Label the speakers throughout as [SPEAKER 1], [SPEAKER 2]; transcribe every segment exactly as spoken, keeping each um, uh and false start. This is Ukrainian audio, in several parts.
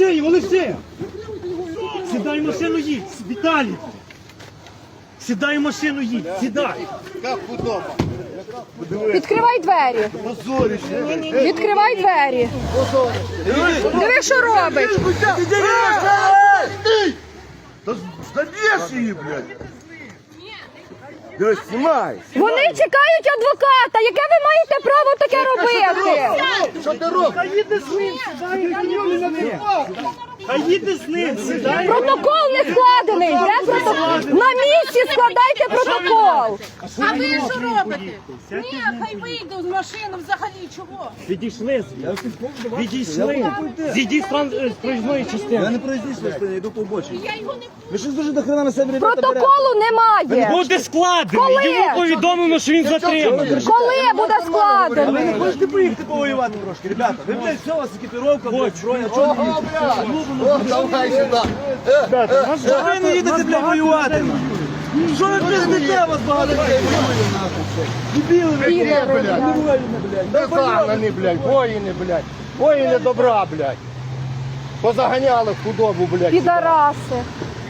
[SPEAKER 1] Олексій, Олексій! Сідай в машину, їдь, Віталій! Сідай в машину, їдь, сідай!
[SPEAKER 2] Як удобно.
[SPEAKER 3] Відкривай двері. Відкривай двері. Диви, що робить.
[SPEAKER 2] Заб'єш її, блядь! Дивись, знімай!
[SPEAKER 3] Вони чекають адвоката. Яке ви маєте право таке робити?
[SPEAKER 2] Що ти робиш?
[SPEAKER 1] Хай їде з ним, сідай! Хай їде з ним, сідай!
[SPEAKER 3] Протокол не складений. Де протокол? На місці складайте протокол.
[SPEAKER 4] А ви що робите? Ні, хай вийде з машини взагалі, чого?
[SPEAKER 1] Відійшли звідси. Відійшли. Зійдіть з тран- з проїзної частини.
[SPEAKER 5] Я не проїздиш, я йду по обочині.
[SPEAKER 4] Я його не
[SPEAKER 5] Ви щось дуже до хрена на себе ребята берете.
[SPEAKER 3] Протоколу немає.
[SPEAKER 1] Буде складений.
[SPEAKER 3] Коли?
[SPEAKER 1] Йому повідомлено, що він затриманий.
[SPEAKER 3] Коли буде
[SPEAKER 5] А ви
[SPEAKER 3] складений?
[SPEAKER 5] не хочете поїхати повоювати трошки, ребята? Ви, блядь, все, у вас екіпіровка, блядь, зброя, чого не їдете?
[SPEAKER 2] О, давай сюди.
[SPEAKER 5] Що ви не їдете, блядь, воювати? Що ви пиздите, вас багато людей воює, нахуй? Дебіли, ви,
[SPEAKER 2] Ні, блядь.
[SPEAKER 5] не воїни, блядь.
[SPEAKER 2] Не загнані, блядь, воїни, блядь. Воїни добра, блядь. Позаганяли в худобу, блядь.
[SPEAKER 3] Підараси.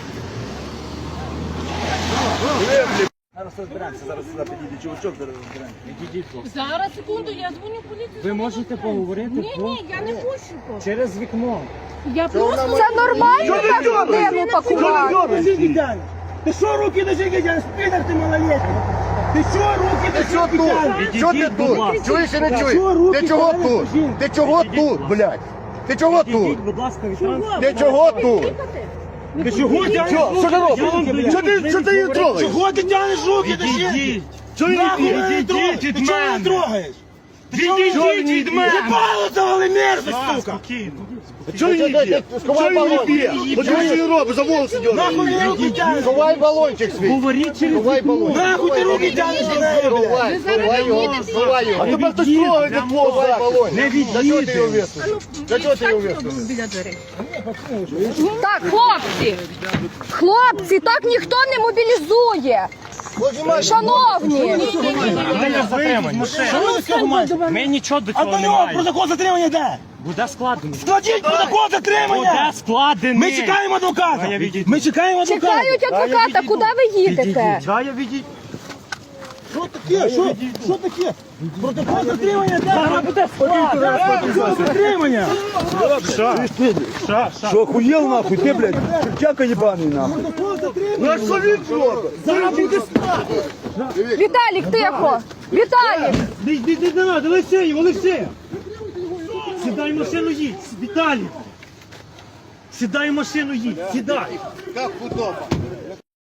[SPEAKER 5] Зараз розберемося, зараз сюди підійде чувачок, зараз розберемося.
[SPEAKER 4] Зараз, секунду, я дзвоню в поліцію.
[SPEAKER 1] Ви можете поговорити
[SPEAKER 4] Ні, ні, я не пущу просто.
[SPEAKER 1] через вікно.
[SPEAKER 4] Я просто...
[SPEAKER 3] Це нормально так людину пакувати?
[SPEAKER 5] Ти що руки до жінки тянеш? Підар ти малолетний! Ти що руки
[SPEAKER 2] Ти
[SPEAKER 5] до
[SPEAKER 2] що
[SPEAKER 5] жінки
[SPEAKER 2] тут?
[SPEAKER 5] тянеш?
[SPEAKER 2] Що ти тут? Чуєш чи не чуєш? Ти чого тут? Ти чого тут, блядь? Ти чого тут?
[SPEAKER 1] Ідіть, будь ласка, від транспорту.
[SPEAKER 2] Ти чого тут?
[SPEAKER 1] Ти чого тягнеш?
[SPEAKER 2] Що? Що ти робиш? Що ти, що ти її трогаєш?
[SPEAKER 5] Чого ти тянеш руки до жінки?
[SPEAKER 1] Відійдіть.
[SPEAKER 5] Чого її
[SPEAKER 1] Відійдіть від
[SPEAKER 5] Ти чого її
[SPEAKER 1] мене.
[SPEAKER 5] трогаєш?
[SPEAKER 1] Відійдіть від мене.
[SPEAKER 5] Єбало завали мерзость,
[SPEAKER 1] Так,
[SPEAKER 5] сука!
[SPEAKER 1] спокійно.
[SPEAKER 2] Чого її б'є? Сховай балончик. Чого її робиш? За волоси
[SPEAKER 5] Нахуй
[SPEAKER 2] дьоргаєш.
[SPEAKER 5] ти руки тянеш?
[SPEAKER 2] Сховай балончик свій.
[SPEAKER 1] Говоріть через
[SPEAKER 2] Сховай
[SPEAKER 1] вікно.
[SPEAKER 2] балончик.
[SPEAKER 5] Нахуй ти руки тянеш до неї, блядь?
[SPEAKER 2] Сховай, сховай його, сховай його.
[SPEAKER 1] Не
[SPEAKER 2] Тепер хтось
[SPEAKER 1] відійде.
[SPEAKER 2] трогає для твого
[SPEAKER 1] Не
[SPEAKER 2] балончик. Для чого ти його
[SPEAKER 1] відійде.
[SPEAKER 2] висунув? Для чого ти його висунув?
[SPEAKER 4] біля дверей.
[SPEAKER 3] Так, хлопці. Хлопці, так ніхто не мобілізує. Шановні.
[SPEAKER 1] Ми не затримані.
[SPEAKER 5] Що ви з цього маєте?
[SPEAKER 1] Ми нічого до
[SPEAKER 5] А
[SPEAKER 1] цього
[SPEAKER 5] до
[SPEAKER 1] не
[SPEAKER 5] нього
[SPEAKER 1] маємо.
[SPEAKER 5] протокол затримання де?
[SPEAKER 1] Буде складений.
[SPEAKER 5] Складіть протокол затримання!
[SPEAKER 1] Буде складений.
[SPEAKER 5] Ми чекаємо
[SPEAKER 1] А я
[SPEAKER 5] адвоката!
[SPEAKER 1] відійду.
[SPEAKER 5] Ми чекаємо адвоката!
[SPEAKER 3] Чекають адвоката, куди ви їдете?
[SPEAKER 1] Да, я відійду.
[SPEAKER 5] Що таке? Що, що таке? Протокол затримання де?
[SPEAKER 1] Зараз буде складений.
[SPEAKER 5] Протокол затримання!
[SPEAKER 1] Ша, ша.
[SPEAKER 6] Что, охуел нахуй? Ты, блядь, чертяка ебаный нахуй.
[SPEAKER 5] Протокол затримання!
[SPEAKER 2] Ну а що він робить?
[SPEAKER 5] Зараз буде
[SPEAKER 3] Віталік, тихо. Віталік.
[SPEAKER 1] Не, не, не надо, Олексій, Олексій. Сідай в машину, їдь, Віталій. Сідай в машину, їдь, сідай.
[SPEAKER 2] Як удобно.